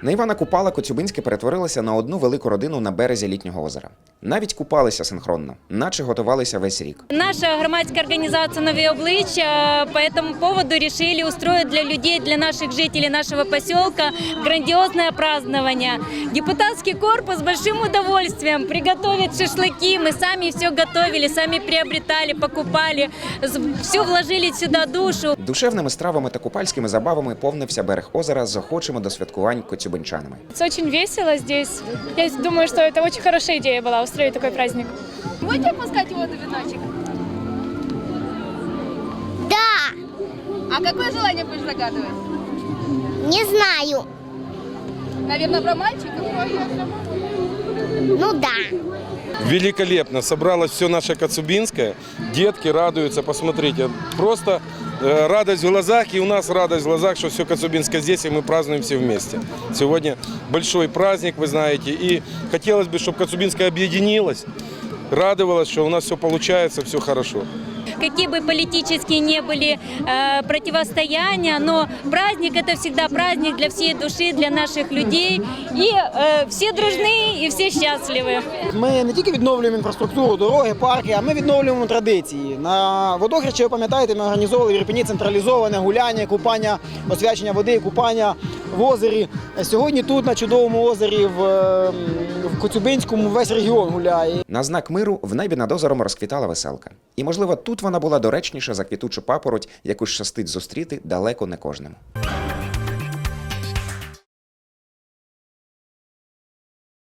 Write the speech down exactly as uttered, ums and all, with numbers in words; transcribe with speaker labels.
Speaker 1: На Івана Купала Коцюбинське перетворилося на одну велику родину на березі літнього озера. Навіть купалися синхронно, наче готувалися весь рік.
Speaker 2: Наша громадская организация «Новые обличья» по этому поводу решили устроить для людей, для наших жителей нашего поселка грандиозное празднование. Депутатский корпус с большим удовольствием приготовит шашлыки. Мы сами все готовили, сами приобретали, покупали, все вложили сюда душу.
Speaker 1: Душевними стравами та купальськими забавами повнився берег озера з охочими до святкувань коцюбинчанами.
Speaker 3: Это очень весело здесь. Я думаю, что это очень хорошая идея была устроить такой праздник.
Speaker 4: Будете опускать воду веночек?
Speaker 5: Да,
Speaker 4: А какое желание будешь загадывать?
Speaker 5: не знаю.
Speaker 4: Наверное, про мальчика?
Speaker 5: Ну да.
Speaker 6: Великолепно. Собралось все наше Коцюбинское. Детки радуются, посмотрите. Просто э, радость в глазах, и у нас радость в глазах, что все Коцюбинское здесь, и мы празднуем все вместе. Сегодня большой праздник, вы знаете, и хотелось бы, чтобы Коцюбинское объединилось, радовалось, что у нас все получается, все хорошо.
Speaker 2: Какие бы политические не были э, противостояния, но праздник – это всегда праздник для всей души, для наших людей. И э, все дружны, и все счастливы.
Speaker 7: Ми не тільки відновлюємо інфраструктуру, дороги, парки, а ми відновлюємо традиції. На водохрещі, ви пам'ятаєте, ми організовували в Ірпені централізоване гуляння, купання, освячення води, купання в озері. Сьогодні тут, на чудовому озері, в, в Коцюбинському, весь регіон гуляє.
Speaker 1: На знак миру в небі над озером розквітала веселка. І, можливо, тут вона була доречніша за квітучу папороть, яку щастить зустріти далеко не кожному.